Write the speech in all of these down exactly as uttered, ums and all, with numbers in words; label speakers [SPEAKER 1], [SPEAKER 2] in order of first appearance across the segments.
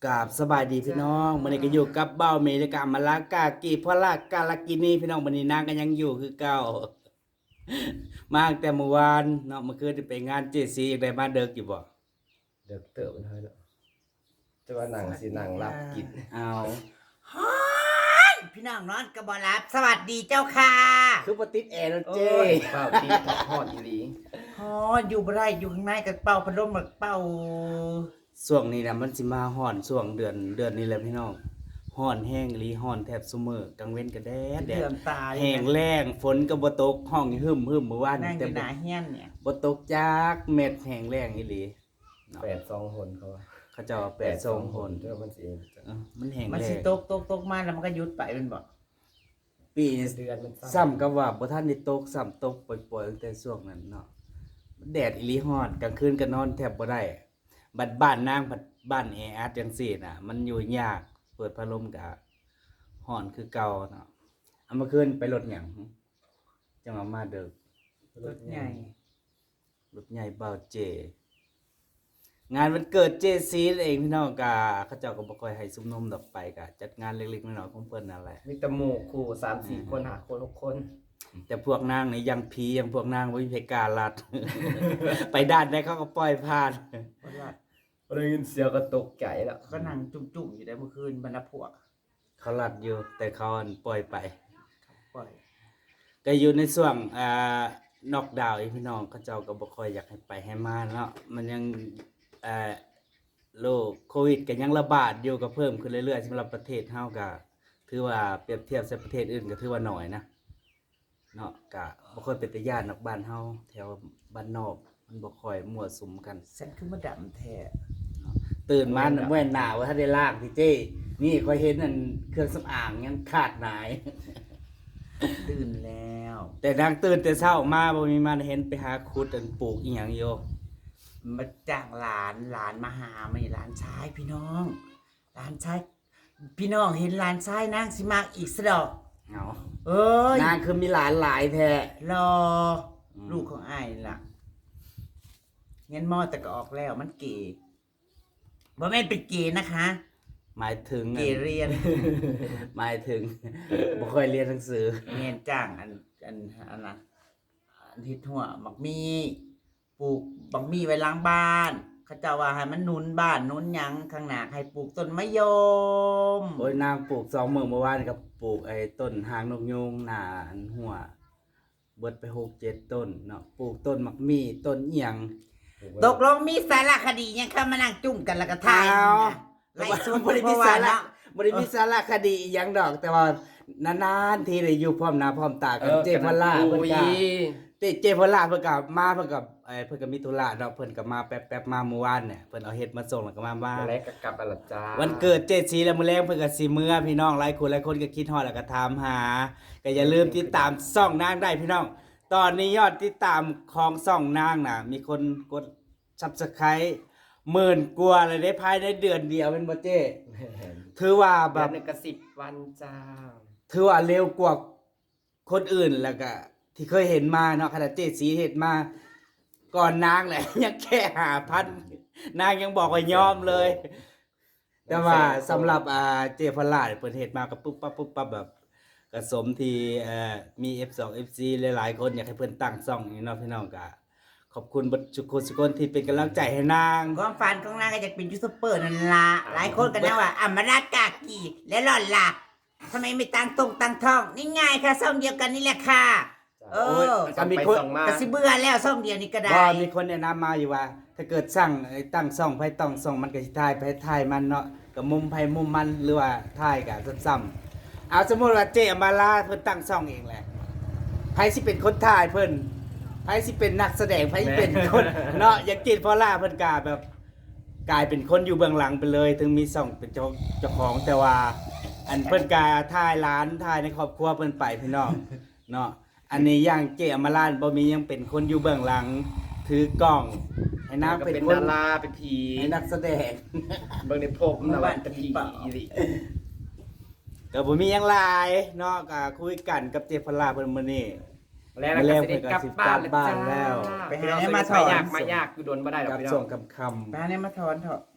[SPEAKER 1] กราบสบายดีพี่น้องมื้อนี้ก็อยู่กับเบ้าเมและกามาลากากีพลากาลากินีพี่น้องมื้อนี้นางก็ยังอยู่คือเก่ามาตั้งแต่เมื่อวานเนาะเมื่อคืนไปงานเจซีอยากได้มาเด็กอยู่บ่
[SPEAKER 2] เด็กเติบมันเท่านั้นจะว่าหนังสิหนังรับกิน
[SPEAKER 1] เอา
[SPEAKER 3] ฮ้อนพี่น้องนอนกระบอรับสวัสดีเจ้าค่ะ
[SPEAKER 1] คือบ่ติดแอร์แล้วเจ้
[SPEAKER 2] เป้าตีทับทอดอีหลี
[SPEAKER 3] ฮ้อนอยู่บ่ได้อยู่ข้างในกับเป่าพัดลมกับเป่า
[SPEAKER 1] ช่วงนี้น่ะมันสิมาฮ้อนช่วงเดือนเดือนนี้แหละพี่น้องฮ้อนแห้งอีหลีฮ้อนแทบซุมื้อกลางเว้นก็แดดแด
[SPEAKER 3] เดื
[SPEAKER 1] ด
[SPEAKER 3] อมตา
[SPEAKER 1] แห้งแล้งฝนก็บ่ตกห้องหึมหึมเมื่อวาน
[SPEAKER 3] นั่งอ
[SPEAKER 1] แต่
[SPEAKER 3] ยู่ห
[SPEAKER 1] บ่
[SPEAKER 3] น้าเฮียนเนี่ย
[SPEAKER 1] บ่ตกจักเม็ดแห้งแล้งอีหลี
[SPEAKER 2] แปดสองหนเขาว่า
[SPEAKER 1] เขาเจ้าว่าแปดสองหน
[SPEAKER 2] เจ้ามันสิเอง
[SPEAKER 1] เอ้ามันแห้ง
[SPEAKER 3] มัน
[SPEAKER 1] แล้
[SPEAKER 3] สิ
[SPEAKER 1] ง
[SPEAKER 3] ตกตกตกมาแล้วมันก็หยุดไปเป็นบ่
[SPEAKER 1] ปีนี้
[SPEAKER 2] เดือนมัน
[SPEAKER 1] ซ้ำกับว่าบ่ทันได้ตกซ้ำตกปล่อยๆตั้งแต่ช่วงนั้นเนาะแดดอีหลีฮ้อนกลางคืนก็นอนแทบบ่ได้บัดบ้านนางบัดบ้านแออัดจังซี่น่ะมันอยู่ยากเปิดพัดลมก็ฮ้อนคือเก่าเนาะเอามาคืนไปรถหยังจังว่ามาเด้อ
[SPEAKER 3] รถใหญ่
[SPEAKER 1] รถใหญ่เบาเจ งานวันเกิดเจซีเองพี่น้องกะเขาเจ้าก็บ่ค่อยให้ซุมนมดอกไปกะจัดงานเล็กๆน้อยๆของเพิ่นนั่นแหละ
[SPEAKER 2] มีแตะหมู่คู่สามสี่คนหาคนหกคน
[SPEAKER 1] แต่พวกนางนี่ยังผียังพวกนางบ่มีเพกล้าลัด ไปด้านใดเขาก็ปล่อยผ่าน
[SPEAKER 3] เพราะว่า
[SPEAKER 2] ได้ยินเสียงก็ตกใจแล้ว
[SPEAKER 3] ก็นั่งจุ่มๆอยู่ได้เมื่อคืนบรรดาพวก
[SPEAKER 1] เขาลัดอยู่แต่เขาอันปล่อยไป
[SPEAKER 3] ปล่อย
[SPEAKER 1] ก็อยู่ในช่วงอ่านอกดาวน์อีกพี่น้องเขาเจ้าก็บ่ค่อยอยากให้ไปให้มาเนาะมันยังเอ่อโรคโควิดก็ยังระบาดอยู่ก็เพิ่มขึ้นเรื่อยๆสำหรับประเทศเฮาก็ถือว่าเปรียบเทียบกับประเทศอื่นก็ถือว่าน้อยนะเนาะก็บ่ค่อยเป็นตาย้านนอกบ้านเฮาแถวบ้านนอกมันบ่ค่อยมั่วสุมกัน
[SPEAKER 3] ฉันคือมาดำแท้
[SPEAKER 1] ตื่นมาน่ะเมื่อหน้าว่าถ้าได้ล้างพี่เจ้นี่ค่อยเห็นนั่นเครื่องสำอางยังขาดหาย
[SPEAKER 3] ตื่นแล้ว
[SPEAKER 1] แต่นางตื่นแต่เช้ามาบ่มีมันเห็นไปหาขุดอันปลูกอีหยังอยู่
[SPEAKER 3] มาจ้างหลานหลานมาหาไม่หลานชายพี่น้องหลานชายพี่น้องเห็นหลานชายนางสิมากอีกสะดอก
[SPEAKER 1] เอา
[SPEAKER 3] เอ้ย
[SPEAKER 1] นางคือมีหลานหลายแท้
[SPEAKER 3] รอ
[SPEAKER 1] อืม
[SPEAKER 3] ลูกของอ้ายนี่ล่ะเงินมอแต่ก็ออกแล้วมันเก๋บ่แม่นเป็นเก๋นะคะ
[SPEAKER 1] หมายถึง
[SPEAKER 3] เก๋เรียน
[SPEAKER 1] หมายถึง บ่ค่อยเรียนหนังสือ
[SPEAKER 3] เงินจ้างอันอันอันน่ะอันที่ทั่วบักมีปลูกบักมีไว้ล้างบ้านเขาเจ้าว่าให้มันหนุนบ้านหนุนหยังข้างหน้าให้ปลูกต้นมะยม
[SPEAKER 1] โอ้ยนางปลูกสองมื้อเมื่อวานก็ปลูกไอ้ต้นหางนกยูงหน้าอันหัวเบิดไปหกเจ็ดต้นเนาะปลูกต้นมักมีต้นอีหยัง
[SPEAKER 3] ตกลงมีสารคดียังเข้ามานั่งจุ่มกันแล้วก็ทาย
[SPEAKER 1] เอา
[SPEAKER 3] ไล่สุด
[SPEAKER 1] บ่ได้
[SPEAKER 3] เพ
[SPEAKER 1] มี
[SPEAKER 3] ราะว่า
[SPEAKER 1] สาระ
[SPEAKER 3] เนาะ
[SPEAKER 1] บ่ได้มีสาระคดีอีหยังดอก แต่ว่านานๆทีได้อยู่พร้อมหน้าพร้อมตากันเจพล่าเพิ่นก็ เจเจพล่าเพิ่นก็มาเพิ่นก็เอ่อเพิ่นก็มีธุระเนาะเพิ่นก็มาแป๊บๆมาเมื่อวานเนี่ยเพิ่นเอาเฮ็ดมาส่งแล้วก็มาบ้า
[SPEAKER 2] มาแล้วก็กลับอะล่ะจ้า
[SPEAKER 1] วันเกิดเจสีแล้วมื้อแลงเพิ่นก็สิมื้อพี่น้องหลายคนหลายคนก็คิดฮอดแล้วก็ถามหาก็อย่าลืมติดตามช่องนางได้พี่น้อง ตอนนี้ยอดติดตามของช่องนางน่ะมีคนกด Subscribe หมื่นกว่าเลยได้ภายในเดือนเดียวเป็นบ่เจ้ถือว่าแบ
[SPEAKER 2] แบบ บนึงก็สิบวันจ้า
[SPEAKER 1] ถือว่าเร็วกว่าคนอื่นแล้วก็ที่เคยเห็นมาเนาะขนาดเจสีเห็นมาก่อนนางแหละ ยังแค่หาพันนางยังบอกว่ายอมเลย แต่ว่าสำหรับอ่าเจพลาดเปิดเหตุมากับปุ๊บปั๊บปุ๊บปั๊บแบบกระสมที่เอ่อมี เอฟ สอง เอฟ ซี หลายๆคนอยากให้เพิ่นตั้งซ่องนี่เนาะพี่น้องก็ขอบคุณเบัดทุกคนทุกคนที่เป็นกำลังใจให้นาง
[SPEAKER 3] ความฝันของนางก็จะเป็นยูทูบเบอร์นั่นล่ะหลายคนก็นะว่าอมรากากีและหล่อนล่ะทำไมไม่ตั้งตรงตั้งท้องนี่ง่ายค่ะซ่องเดียวกันนี่แหละค่ะ เออ
[SPEAKER 2] ก็มีคนส่งมา
[SPEAKER 3] ก็สิเบื่อแล้วซ่องเดียวนี่ก็ได้
[SPEAKER 1] ก็มีคนแนะนำมาอยู่ว่า ถ้าเกิดสร้างไอ้ตั้งซ่องไผต้องซ่องมันก็สิถ่ายไผถ่ายมันเนาะก็มุมไผมุมมันหรือว่าถ่ายก็ซ้ำๆเอาสมมุติว่าเจอมาลาเพิ่นตั้งซ่องเองแหละไผสิเป็นคนถ่ายเพิ่นไผสิเป็นนักแสดงไผสิเป็นคนเนาะอย่างจิตพอล่าเพิ่นก็แบบกลายเป็นคนอยู่เบื้องหลังไปเลย ถึงมีซ่องเป็นเจ้าเจ้าของแต่ว่า อันเพิ่นก็ถ่ายร้านถ่ายในครอบครัวเพิ่นไปพี่น้องเนาะอันนี้อย่างเจอมาลาบ่มียังเป็นคนอยู่เบื้องหลังถือกล้องให้นาง
[SPEAKER 2] ก็
[SPEAKER 1] เป็น
[SPEAKER 2] เป็น
[SPEAKER 1] คน
[SPEAKER 2] ดาราเป็นผี
[SPEAKER 1] ให้นักแสดง
[SPEAKER 2] เบิ่งในพบนะว่าเป็นผีอีหลี
[SPEAKER 1] ก็บ่มีหยังหลายเนาะก็คุยกันกับเจพลาเพิ่นมื้อนี้
[SPEAKER 2] แล้วก็สิได้กลับบ้าน
[SPEAKER 1] กลับบ้านแล้ว
[SPEAKER 2] ไปหาให้มาถอนมายากมาอยากคือโดนบ่ได้ดอก
[SPEAKER 1] กับ
[SPEAKER 2] พี่น้
[SPEAKER 1] ส่
[SPEAKER 2] อง ง
[SPEAKER 1] คำคำ
[SPEAKER 3] มาเนี่ยมาถอนเถอะ
[SPEAKER 2] เอา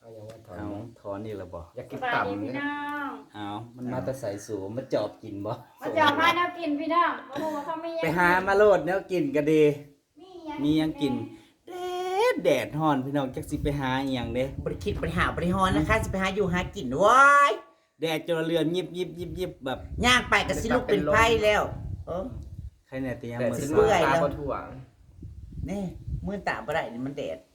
[SPEAKER 2] เอาอย่างว่าถอน
[SPEAKER 1] เอาถอนนี่ละบ่
[SPEAKER 2] อยาก
[SPEAKER 4] ส
[SPEAKER 2] กิน
[SPEAKER 4] บาย
[SPEAKER 2] ต่ำ
[SPEAKER 4] ดีพี่
[SPEAKER 2] เนี่ย
[SPEAKER 4] น้อง
[SPEAKER 1] เอามันมาแต่ใส่สูงมาจอบกินบ่
[SPEAKER 4] มาจับมาแนวกินพี่น้องโอ้โหเขาไม่
[SPEAKER 1] ไปหามาโลดแนวกินก็ดี มีหยังกินแดดแดดฮ้อนพี่น้องจักสิไปหาอีหยังเด้
[SPEAKER 3] บริคิดบริหารบริหารนะคะจะไปหาอยู่หากินว้าย
[SPEAKER 1] แดดจนเรือนยิบยิบยิบยิบแบบ
[SPEAKER 3] ย่างไปก็สิลูกเป็นไพ่แล้วเออ
[SPEAKER 1] ใครเนี่ยเตรียม
[SPEAKER 2] แต่
[SPEAKER 1] มือ
[SPEAKER 2] สิ
[SPEAKER 1] สา
[SPEAKER 2] เมื่อ
[SPEAKER 3] อย
[SPEAKER 2] ตา
[SPEAKER 3] แล้ว
[SPEAKER 2] บ่ถ่วง
[SPEAKER 3] นี่มือตาบ่ได้นี่มันแดด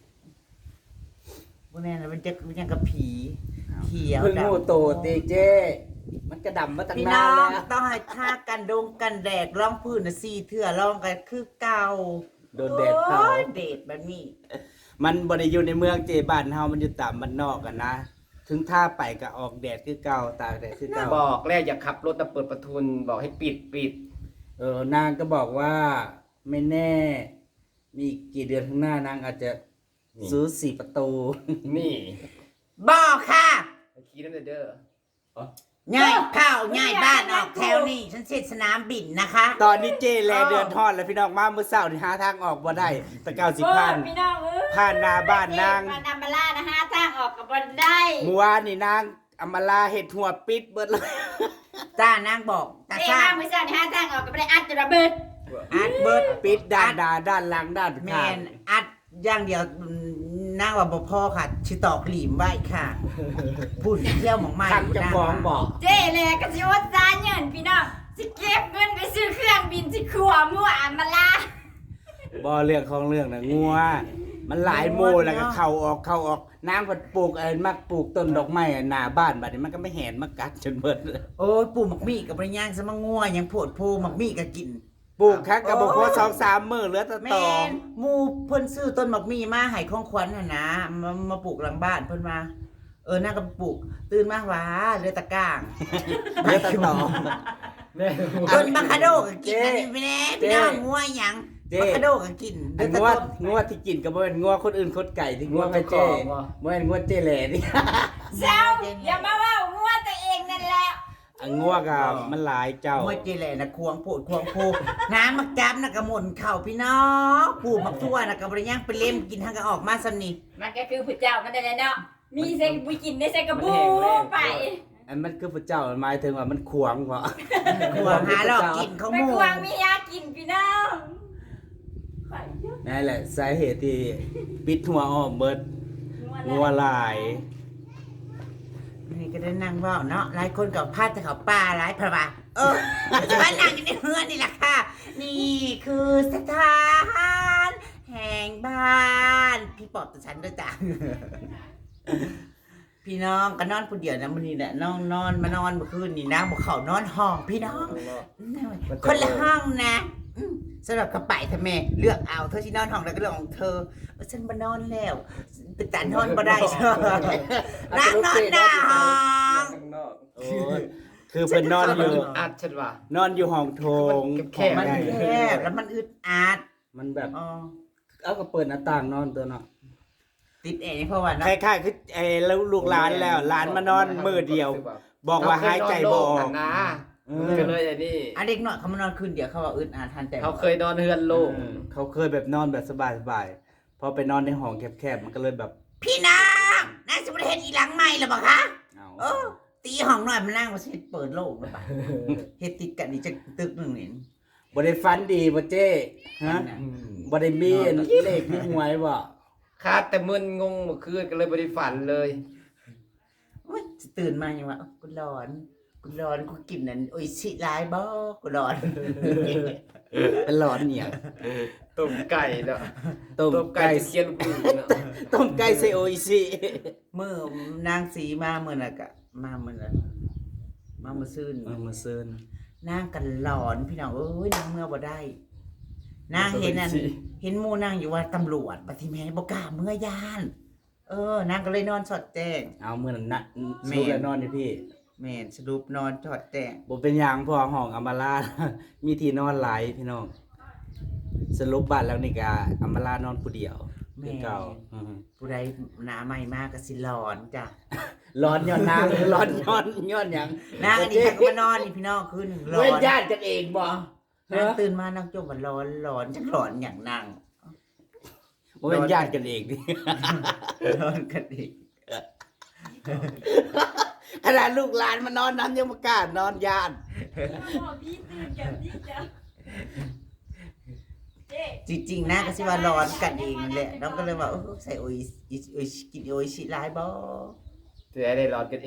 [SPEAKER 3] พวกนี้นะมันจะมันยังกับผีเขียว
[SPEAKER 1] เพิ่ง
[SPEAKER 3] ดำ
[SPEAKER 1] งูโตตีเจ มันกระดำมาตั้ง
[SPEAKER 3] พี่
[SPEAKER 1] นา
[SPEAKER 3] น้อน ง
[SPEAKER 1] แล้ว
[SPEAKER 3] ต้องให้ท่ากันดงกันแดดร้องพื้นน่ะสี่เถื่อร้องกันคือเก่า
[SPEAKER 1] โดนแดดเผา
[SPEAKER 3] โอ้ยแดดแบบนี้
[SPEAKER 1] มันบ่ได้อยู่ในเมืองเจบ้านเฮามันอยู่ตามบ้านนอกกันนะ ถึงท่าไปก็ออกแดดคือเก่าตากแดดคือเก่า
[SPEAKER 2] บอกแล้วอย่าขับรถนะเปิดประทุนบอกให้ปิดปิด
[SPEAKER 1] เออนางก็บอกว่าไม่แน่ มีอีกกี่เดือนข้างหน้านางอาจจะซื้อสี่ประตู
[SPEAKER 2] นี่
[SPEAKER 3] บอกค่ะ
[SPEAKER 2] ขี่นั่นเด้อ
[SPEAKER 3] ง่ายข้าวง่ายบ้านออกแถวนี่ฉันเสร็จสนามบินนะคะ
[SPEAKER 1] ตอนนี้เจแลเดือนทอดแล้วพี่น้องมาเมื่อเช้านี่หาทางออกบ่ได้แตะเก้าสิบพัน
[SPEAKER 4] พี่น้องเอ้ย
[SPEAKER 1] ผ่านหน้าบ้านนาง
[SPEAKER 4] มานำมาล่านะฮะทางออกกับบนได้
[SPEAKER 1] เมื่อวานนี่นางอำมาลาเห็ดหัวปิดเบิดเลย
[SPEAKER 3] จ้านางบอกตา
[SPEAKER 4] เอ้
[SPEAKER 3] ซ่า
[SPEAKER 4] ห้ามือสั่นฮะทางออกกับได้อัดจะระเบิด
[SPEAKER 3] อัดเบิร์ด
[SPEAKER 1] ปิดด้านด้านด้านหลังด้าน
[SPEAKER 3] แม
[SPEAKER 1] ข้าง
[SPEAKER 3] นอัดอย่างเดียวนางว่าบ่พอค่ะชิตอกหลีมไว้ค่ะพูดเที่ยวหมองใหม่
[SPEAKER 1] ทางเจะฟ้าของบอก
[SPEAKER 4] เจ๊เลยก็สิว่าซาเงินพี่น้องสิเก็บเงินไปซื้อเครื่องบินสิขัวมั่วอันมาล่า
[SPEAKER 1] บ่เรื่องของเรื่องนะงัวมันหลายโมแล้วก็เข้าออกเข้าออกนางก็ปลูกเอ้มักปลูกต้นดอกไม้หน้าบ้านบัดนี้มันก็ไม่แหนมากัดจนเบิดเลย
[SPEAKER 3] โอ้ยปู่หมักมี่กับปริญญางสมังงัวยังโพดโพหมักมี่ก็กิน
[SPEAKER 1] ปลูกครั้งก็บ่พอสองสามมื้อเหลือแต่
[SPEAKER 3] แม
[SPEAKER 1] ตอ
[SPEAKER 3] นหมูเพิ่นซื้อต้นหมักมี่มาให้ของขวัญน่ะนะมามาปลูกหลังบ้านเพิ่นมาเออน่าก็ปลูกตื่นมาหว้าเหลือแตะก้าง
[SPEAKER 1] เหลือแต่ตอ
[SPEAKER 2] แม่
[SPEAKER 3] ต้นบัคคาโดก็กินอันนี้ไปแน่พี่น้องงัวหยัง
[SPEAKER 1] เจ๊
[SPEAKER 3] บัคคาโดก็กิน
[SPEAKER 1] อัน
[SPEAKER 3] แต่
[SPEAKER 1] งัว
[SPEAKER 3] ต้น
[SPEAKER 1] งัวที่กินก็บ่แม่นงัวคนอื่นคนไก่ที่งัวไปเจ้บ่แม่นงัวเจ้แหล่นี่
[SPEAKER 4] เจ้าอย่ามาว่ามั่วตัวเองนั่นแหละ
[SPEAKER 1] อันงัวก็มันหลายเจ้า
[SPEAKER 3] งัวเจแหล่นะควงโพดควงโพน้ำมักจับน่ะก็หม่นเข้าพี่น้องปลูกมักทั่วน่ะก็บ่ได้ย่างไปเล่มกินทั้งก็ออกมาซำนี่
[SPEAKER 4] มันก็คือผู้เจ้ามันนั่นแหละเนาะมีเซ็กบุกินได้เซ็กกระบูไป
[SPEAKER 1] อันมันคือพระเจ้ามันหมายถึงว่ามันขวางบ่
[SPEAKER 3] ควงหาหลอกกินเขา
[SPEAKER 4] ไม่
[SPEAKER 3] หมู่
[SPEAKER 4] ควงมียากินพี่น้องไปเยอะ
[SPEAKER 1] นั่นแหละสาเหตุที่ปิดหัวอ้อมเบิดงัวหลาย
[SPEAKER 3] นี่ก็ได้นั่งเว่าเนาะหลายคนกับพาดแต่เขาป่าหลายพระบาเออจะมานั่งอยู่ในเฮือนนี่แหละค่ะ นี่คือสถานแห่งบ้านพี่ปอบตัวฉันด้วยจ้ะ พี่น้องก็นอนผู้เดียวนะมันนี่แหละนอนนอนมานอนเมื่อคืนนี่นะบอกเขานอนห้องพี่น้อง คนละห้องนะอืมสำหรับกระป๋ายทำไมเลือกเอาเธอที่นอนห้องแล้วก็เรื่องของเธอเออฉันมานอนแล้วเป็นตานอนบ่ได้ใช่ไหมนั่งนอนหน้าห้อง
[SPEAKER 2] ข้างนอก
[SPEAKER 1] โอ้ยคือเป็นนอนอยู่
[SPEAKER 2] อัดฉันว่ะ
[SPEAKER 1] นอนอยู่ห้องโถง
[SPEAKER 2] แคบๆ
[SPEAKER 3] มัน
[SPEAKER 1] ได้
[SPEAKER 3] แคบแล้วมันอึดอัด
[SPEAKER 1] มันแบบ
[SPEAKER 3] อ๋อ
[SPEAKER 1] เอาก็เปิดหน้าต่างนอนตัวเนาะ
[SPEAKER 3] ติดแอร์นี่เพราะว่า
[SPEAKER 1] ค
[SPEAKER 3] เนาะ
[SPEAKER 1] ล้ายๆคือไอ้ลูกหลานแล้วหลานมานอนมือเดียว บอกว่าหายใจบ่ออก
[SPEAKER 2] นะ
[SPEAKER 1] เอ
[SPEAKER 2] ก็
[SPEAKER 1] อ
[SPEAKER 2] เลยไอ้นี่
[SPEAKER 3] อ่ะเด็กน้อยเขามานอนคืนเดียวเขาว่าอึดอัดทันแต่
[SPEAKER 2] เขาเคยนอนเฮือนโล่ง
[SPEAKER 1] เออเขาเคยแบบนอนแบบสบายๆพอไปนอนในห้องแคบๆมันก็เลยแบบ
[SPEAKER 3] พี่น้องน่าจะประเทศอีหลังใหม่หรือเปล่าคะ
[SPEAKER 1] เอา
[SPEAKER 3] เออตีห้องหน่อยมานั่งมาเฮ็ดเปิดโลกหรือเปล่าเฮ็ดติดกันนี่จะตึกหนึ่งนี่
[SPEAKER 1] บ่ได้ฟันดีบ่เจ้ฮะบ่ได้มีอันเลขที่หวยบ่
[SPEAKER 2] คาดแต่มึนงงเมื่อคืนก็เลยบ่ได้ฝันเลย
[SPEAKER 3] โอ๊ยตื่นมายังว่าเอ้ากูร้อนกูร้อนกูกินนั่นโอ้ยสิหลายบ่กูร้อน
[SPEAKER 1] เป็นหลอนเนี่ย
[SPEAKER 2] ต้มไก่เนาะ
[SPEAKER 1] ต้ม
[SPEAKER 2] ต้มไก่
[SPEAKER 1] ไก่
[SPEAKER 2] จะเคียนลูกปืนเนาะ
[SPEAKER 1] ต้มไก่ใส่โออิชิ
[SPEAKER 3] มื้อนางสีมามื้อน่ะก็มามื้อน่ะมามื้อซื่น
[SPEAKER 1] เออมาซื้อน
[SPEAKER 3] างกันหลอนพี่น้องเอ้ยนางเมื่อบ่ได้ นางเห็นนั่นเห็นหมู่นางอยู่ว่าตำรวจปฏิแม่บ่กล้าเมื่อย่าน เออนางก็เลยนอนสอดแจ้ง
[SPEAKER 1] เอามื้อนั้นนะ
[SPEAKER 3] แม่
[SPEAKER 1] สู้แล้วนอนนี่พี่
[SPEAKER 3] แม่นสรุปนอนสอดแจ้ง
[SPEAKER 1] บ่เป็นหยังเพอห้องอำมาลา มีที่นอนหลายพี่น้องสรุปบ้านแล้วนี่ก็อำมาลานอนผู้เดียวคือเก่าอือฮึ
[SPEAKER 3] ผู้ใดหน้าใหม่มากก็สิหลอนจ้ะ
[SPEAKER 1] ร้อนย้อนนาง ร้อนย้อนย้อนหยัง
[SPEAKER 3] นางอันนี้ก็มานอนนี่พี่น้องคืนหนึ่งร้อ
[SPEAKER 1] เว้น
[SPEAKER 3] น
[SPEAKER 1] ญาติกันเองบ่
[SPEAKER 3] นางตื่นมานางจมว่าร้อนร้อนจักร้อนอย่างนาง
[SPEAKER 1] บ่เป็นญาติกันเองดิ
[SPEAKER 3] ร้อนกันอีก
[SPEAKER 1] ขนาดลูกหลานมานอนน้ำยังประกล้านอนยาน
[SPEAKER 4] พ่อพี่ตื่นกันพี่จ้ะเจ๊
[SPEAKER 3] จริงๆนะก็สิว่าร้อนกันเองนั่นแหละน้องก็เลยว่าเออใส่โออิอิโออิกินโออิชิหลายบ่
[SPEAKER 2] จะได้ร้อนกันเอง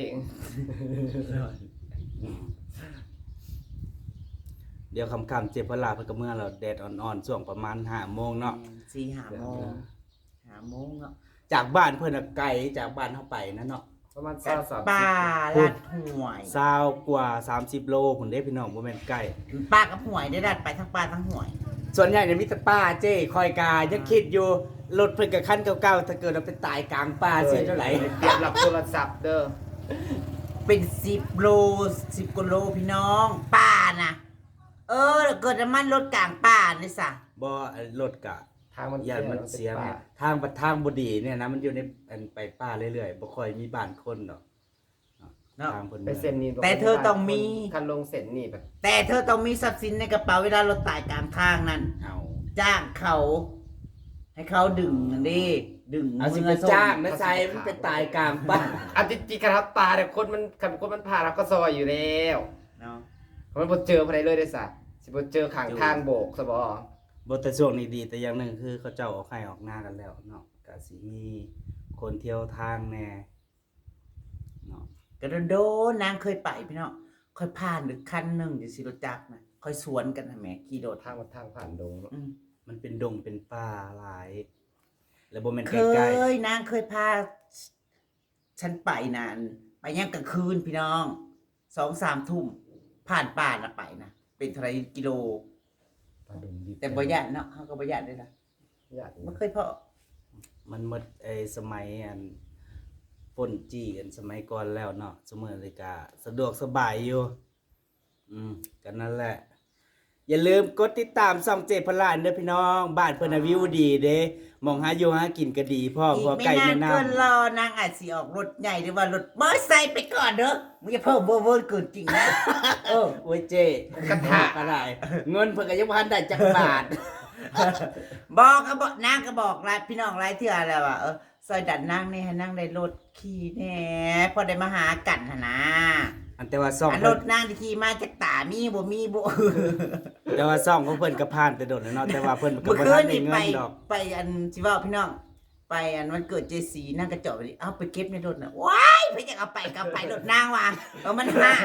[SPEAKER 1] เดี๋ยวคำๆเจ็บพลาเพิ่นก็เมื่อเราแดดอ่อนๆช่วงประมาณห้าโมงเนาะ
[SPEAKER 3] สี่ห้าโมงห้าโมงเนาะ
[SPEAKER 1] จากบ้านเพิ่นน่ะไกลจากบ้านเฮาไปนะเนาะ
[SPEAKER 2] ประมาณ
[SPEAKER 3] กั
[SPEAKER 2] สาม
[SPEAKER 3] ด
[SPEAKER 2] สาม
[SPEAKER 3] ป่า
[SPEAKER 1] พู
[SPEAKER 3] ลั
[SPEAKER 1] ด
[SPEAKER 3] ดห่วย
[SPEAKER 1] ซาวกว่าสามสิบโลพุ่นเด้พี่น้องบ่แม่นใกล้
[SPEAKER 3] ป้ากับห่วยได้ดัดไปทั้งป้าทั้งห่วย
[SPEAKER 1] ส่วนใหญ่เนี่ยมีแต่ป้าเจ้คอยกายังคิดอยู่รถเพิ่นกับคันเก่าๆถ้าเกิดเราไปตายกลางป่าเสียเท่าไหร่
[SPEAKER 2] เตรียมรับโทรศัพท์เด้อ
[SPEAKER 3] เป็นสิบโลสิบกิโลพี่น้องป่านะเออเกิดน้ำมันรถกลางป่านี่สะ
[SPEAKER 1] บ่รถกะ
[SPEAKER 2] ทางมัน
[SPEAKER 1] ยานมันเสีย
[SPEAKER 2] ป่า
[SPEAKER 1] แม่ทางบัดทางบ่ดีเนี่ยนะมันอยู่ในอันไปป่าเรื่อยๆบ่ค่อยมีบ้านคนดอก
[SPEAKER 3] เนาะ
[SPEAKER 1] ทางเพิ่น
[SPEAKER 2] ไปเส้นนี้
[SPEAKER 3] แต่เธอต้องมี
[SPEAKER 2] คันลงเส้นนี่แบบ
[SPEAKER 3] แต่เธอต้องมีทรัพย์สินในกระเป๋าเวลารถตายกลางทางนั้น
[SPEAKER 1] เอา
[SPEAKER 3] จ้างเขา ให้เขาดึงนั่นดิดึง
[SPEAKER 1] เอาสิไป
[SPEAKER 3] มืส่
[SPEAKER 1] จ้างนะใส่มันไปตายกลางป่า
[SPEAKER 2] อันที่จริงครับตาเนี่ยคนมันคันคนมันพาเราก็ซอยอยู่แล้ว
[SPEAKER 3] เนาะ
[SPEAKER 2] มันบ่เจอภายในเลยได้ซะสิบ่เจอข้างทางโบกซะบ่
[SPEAKER 1] บ่แต่ช่วงนี้ดีแต่อย่างหนึงคือเขาเจ้าออกให้ออกหน้ากันแล้วเนาะก็สิมีคนเที่ยวทางแน่เนาะ
[SPEAKER 3] กระโดดนางเคยไปพี่น้องค่อยผ่านหรือคันหนึ่งอยู่สิรถจักรนะค่อยสวนกันนะแหม่ขี่โดด
[SPEAKER 2] ทางมันทางผ่านดงเนาะ
[SPEAKER 3] อืม
[SPEAKER 1] มันเป็นดงเป็นป่าหลาย แล้วบ่แม่น
[SPEAKER 3] เค
[SPEAKER 1] ใกล้
[SPEAKER 3] ยนางเคยพาฉันไปนานไปย่างกลางคืนพี่น้องสองสามทุ่มผ่านป่านะไปนะเป็นเท่าไหรกิโล
[SPEAKER 2] ผ่านดงดิบ
[SPEAKER 3] แต่บ่ยานเนาะเขาก็บ่ยานด้วยนะ
[SPEAKER 2] ญาติ
[SPEAKER 3] ไม่เคยพอ
[SPEAKER 1] ๆมันหมดไอ้สมัยอันป่นจี้กันสมัยก่อนแล้วเนาะสมัยเลยก็สะดวกสบายอยู่อืมกันนั่นแหละ อย่าลืมกดติดตามช่องเจพลานเด้อพี่น้องบ้านเพิ่นน่ะวิวดีเด้มองหาอยู่หากินก็ดีพ่อ
[SPEAKER 3] อี
[SPEAKER 1] พอก
[SPEAKER 3] ไม่
[SPEAKER 1] ไก่
[SPEAKER 3] นาน
[SPEAKER 1] แม่น้ำ
[SPEAKER 3] เกินรอนางอาจสิออกรถใหญ่หรือว่ารถมอเตอร์ไซค์ไปก่อนเด้อมึงอย่าเพิ่มเวอร์เวอร์เกินจริงนะเออ
[SPEAKER 1] โอ้ยเจกระทะก็ได้เงินเพิ่นก็ยังบ่ทันได้จักบาท
[SPEAKER 3] บอกก็บอกนางก็บอกหลายพี่น้องหลายเทื่อแล้วว่าเออซอยดันนางนี่ให้นางได้รถขี่แหน่พอได้มาหากันหั่นนะ
[SPEAKER 1] อันแต่ว่าซ่อง
[SPEAKER 3] อันร
[SPEAKER 1] เพิ่น
[SPEAKER 3] ถนางที่ขี่มาจากตามีบ่มีบ่
[SPEAKER 1] แต่ว่าซ่องของเพิ่นก็ผ่านแต่โดดแล้วเนาะแต่ว่าเพิ่นก็
[SPEAKER 3] เมื่อ
[SPEAKER 1] บ่
[SPEAKER 3] คื
[SPEAKER 1] ทั
[SPEAKER 3] น
[SPEAKER 1] นได้
[SPEAKER 3] นี่
[SPEAKER 1] เงิ
[SPEAKER 3] ไป
[SPEAKER 1] นดอก
[SPEAKER 3] ไปอันสิว่าพี่น้อง ไปอันวันเกิดเจสีนางกระจอกไปดิเอาไปเก็บในรถน่ะว้ายเพิ่นอยากเอาไปก็เอาไปรถนางว่ะเออมันห่า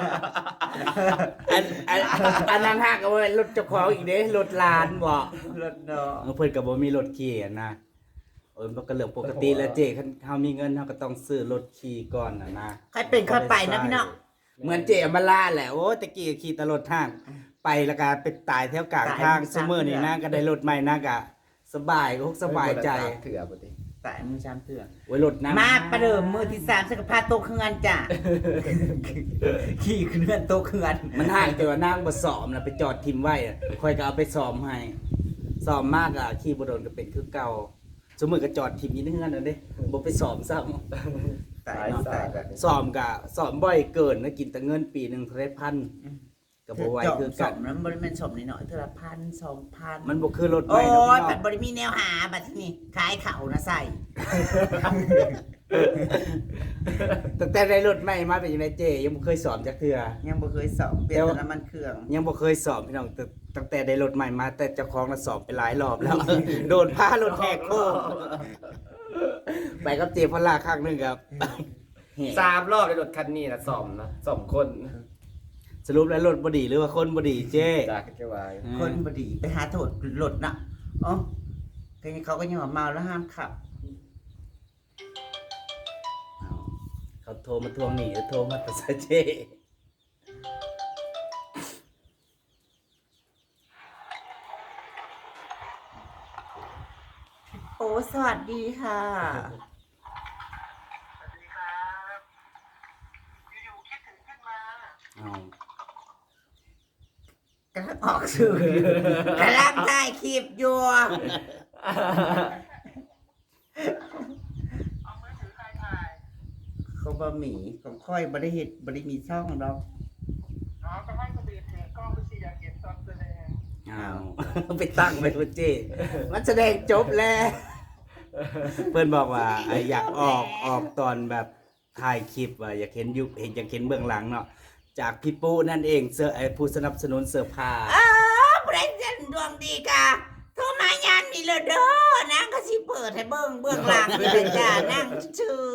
[SPEAKER 1] อันอันอันนั้นฮะก็บ่แม่นรถเจ้าของอีกเด้รถหลานบ่
[SPEAKER 3] รถเนาะ
[SPEAKER 1] เออเพิ่นก็บ่มีรถขี่อะนะเออมันก็เรื่องปกติแล้วเจคันเฮามีเงินเฮาก็ต้องซื้อรถขี่ก่อนน่ะนะ
[SPEAKER 3] ใครเป็นใครไปนะพี่น้อง
[SPEAKER 1] เหมือนเจอมาลาแหละโอ้ตะกี้ก็ขี่แตลอดทาง ไปแล้วก็ไปตายแถวกลางทางซุมื้อนี้นะก็ได้รถใหม่นะก็สบายก็สบายใจ
[SPEAKER 2] เถื่อบ่ติ
[SPEAKER 3] แต่มือชามเถื่อ
[SPEAKER 1] โอ้ยรถน้ำ
[SPEAKER 3] มาประเดิมมือที่สามสักพาโตะเครือนจ้ะ ขี่เคลื่อนโตะเครือน
[SPEAKER 1] มันห่างแต่ว่านางบ่ซ้อมน่ะไปจอดทิมไว้อะค่อยก็เอาไปซ้อมให้ซ้อมมากอ่ะขี่บ่โดนก็เป็นคือเก่าซุมื้อก็จอดทิมอยู่ในเฮือนนั่นเด้บ่ไปซ้อมซ้ำ
[SPEAKER 3] ตายเนาะตาย
[SPEAKER 2] กัน
[SPEAKER 1] ซ้อมก็ซ้อมบ่อยเกินนะกินแต่เงินปีหนึงเท่าไหร่พันก็บ่ไหวคือ
[SPEAKER 3] ส
[SPEAKER 1] กั
[SPEAKER 3] ม
[SPEAKER 1] น
[SPEAKER 3] นั้นบริเวณสมนิดหน่อยเท่าละพันสองพัน
[SPEAKER 1] มันบ่คือรถให
[SPEAKER 3] โอ้
[SPEAKER 1] ม่นะพี่น้อง
[SPEAKER 3] ยบัดบริมีแนวหาบัดที่นี่ขายเขานะใส่
[SPEAKER 1] ตั้งแต่ได้รถใหม่มาเป็นยังไงเจยังบ่เคยสอบจักเทื่อ
[SPEAKER 3] ยังบ่เคยสอบเปลี่ยนแต่น้ำมันเครื่อง
[SPEAKER 1] ยังบ่เคยสอบพี่น้องแต่ตั้งแต่ได้รถใหม่มาแต่เจ้าของน่ะสอบไปหลายรอบแล้ว โดนพารถแหกโค้งไปกับเจพลาครั้งหนึงครับ
[SPEAKER 2] สามรอบในรถคันนี้นะซ่อมนะซ่อมคน
[SPEAKER 1] สรุปแล้วรถบ่ดีหรือว่าคนบ่ดีเจ
[SPEAKER 2] จากแค่ว่า
[SPEAKER 3] คนบดีไปหาโทษหลดนะอ๋อก็ยังเขาก็ยังว่าเมาแล้วห้ามขับ
[SPEAKER 1] อ้าวเขาโทรมาทวงหนี้หรือโทรมาตัดสายเจ
[SPEAKER 3] โอ้สวัสดีค่ะ
[SPEAKER 1] อ้าว
[SPEAKER 3] กำลังออกสื่อกำลังถ่ายคลิปอยู่ เขาบะหมี่ของค่อยบริเหตุบริมีช่องเรา
[SPEAKER 5] อ๋อก็ให้คนอื่นถือกล้องไปสิอยากเห็นตอนแสดง
[SPEAKER 1] อ้าว ไปตั้งไว้ว่าเจ มันแสดงจบแล้ว เพื่อนบอกว่าไอ้อยากออกออกตอนแบบถ่ายคลิปว่าอยากเห็นอยู่เห็นอยากเห็นเบื้องหลังเนาะจากพี่ปูนั่นเองเสื้อไอ้ผู้สนับสนุนเสื้อผ้า
[SPEAKER 3] อ้าผู้ใดเส้นดวงดีกะโทรมายานมีเลยเด้อนางก็สิเปิดให้เบิ่งเบื้องหลังนี่เลยจ้านั่งชื่อ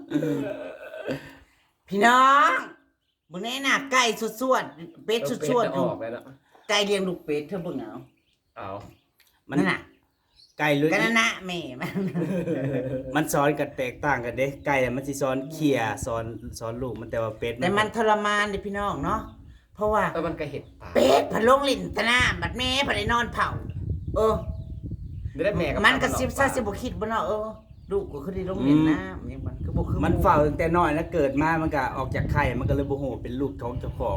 [SPEAKER 3] พี่น้องมึงแน่น่ะไก่สวดๆเป็ดสวดๆอ
[SPEAKER 2] เอา
[SPEAKER 3] ยู่
[SPEAKER 2] ออกเลยเนาะ
[SPEAKER 3] ไก่เลี้ยงลูกเป็ดเธอเบิ่งเอา
[SPEAKER 2] เอา
[SPEAKER 1] มัน
[SPEAKER 3] นั่นน่ะ
[SPEAKER 1] ไก่ลุย
[SPEAKER 3] กันนั่นนะแม่มัน
[SPEAKER 1] มันสอนกันแตกต่างกันเด้ไก่น่ะมันสิสอนเขี่ยสอนสอนลูกมันแต่ว่าเป็ด
[SPEAKER 3] แต่มันทรมานเด้พี่น้องเนาะเพราะว่า
[SPEAKER 2] แล้วมันก็เห็ดตาย
[SPEAKER 3] เป็ดพะลงลิ้นตะหน้าบัดแม่พะได้นอนเผาเออ
[SPEAKER 2] ไม่ได้แม่
[SPEAKER 3] มันก็สิบซะสิบ่คิดบ่เนาะเออลูกก็คือได้ลงเล่นน้ำนี่มันก็บ่คือ
[SPEAKER 1] มันเฝ้าตั้งแต่น้อยนะเกิดมามันก็ออกจากไข่มันก็เลยบ่ฮู้เป็นลูกของเจ้าของ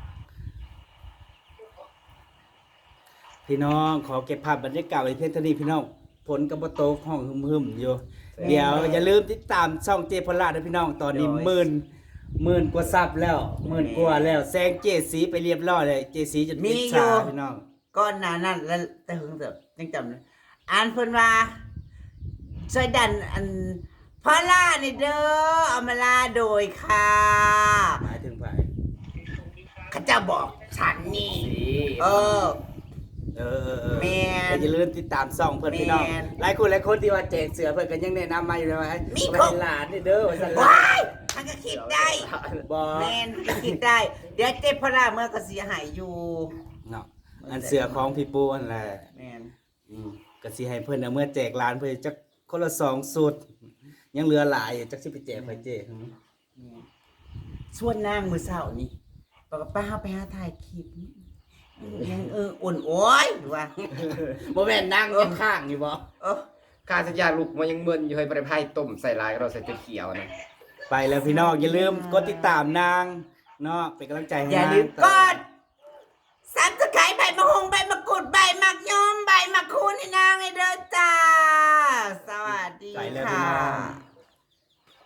[SPEAKER 1] พี่น้องขอเก็บภาพบรรยากาศไว้เพียงเท่านี้พี่น้องฝนก็บ่ตกห้องหึมๆอยู่ เดี๋ยวอย่าลืมติดตามช่องเจพลาดด้วยพี่น้องตอนนี้หมื่นหมื่นกว่าซับแล้วหมื่นกว่าแล้วแซงเจสีไปเรียบร้อยเลยเจสีจนติดชาพี่น้อง
[SPEAKER 3] ก่อนหน้านั้นแล้วแต่หึงเถอะยังจำได้อ่านเพิ่นว่าช่วยดันอันพอล่านี่เด้อเอามาลาโดยค่ะ
[SPEAKER 1] หมายถึงไผ
[SPEAKER 3] เขาเจะบอกฉันนี่
[SPEAKER 2] สี
[SPEAKER 3] เออ
[SPEAKER 1] เออเออเออ
[SPEAKER 3] แม่น
[SPEAKER 1] แต่อย่าลืมติดตามช่องเพิ่นพี่น้อง
[SPEAKER 3] แม่น
[SPEAKER 1] หลายคนหลายคนที่ว่าแจกเสือเพิ่นก็ยังแนะนำมาอยู่เลยว่า
[SPEAKER 3] มี
[SPEAKER 1] เอา
[SPEAKER 3] คร
[SPEAKER 1] ไป
[SPEAKER 3] บ
[SPEAKER 1] ให้หลานนี่เด้อว่าซั่นล่ะ
[SPEAKER 3] ว้ายมันก็คิดได้
[SPEAKER 1] บ่
[SPEAKER 3] แมนมันก็คิดได้ เดี๋ยวเจ็บพอล่าเมื่อก็เสียหายอยู่
[SPEAKER 1] เนาะอันเสือของพี่ปูนั่นแหละ
[SPEAKER 3] แมน
[SPEAKER 1] อืมก็สิให้เพิ่นเอาเมื่อแจกหลานเพิ่นจักคนละสองสุดยังเหลือหลายอยู่จักสิไปแจกไผเจ
[SPEAKER 3] แม่นส่วนนางมือเสาร์นี่บอกว่าป้าไปหาถ่ายคลิปนี่ยังเอออ่อนโอ้ยหรือว่า
[SPEAKER 1] บ่แม่นนั่งข้างๆอยู่บ่
[SPEAKER 2] เออข้าสัญญาลูกมันยังเมินอยู่ให้บริพายต้มใส่ลายเราใส่จนเขียวนะ
[SPEAKER 1] ไปแล้วพี่น้องอย่าลืมกดติดตามนางเนาะเป็นกำลังใจให้
[SPEAKER 3] อย่าน
[SPEAKER 1] าง
[SPEAKER 3] ลืมกด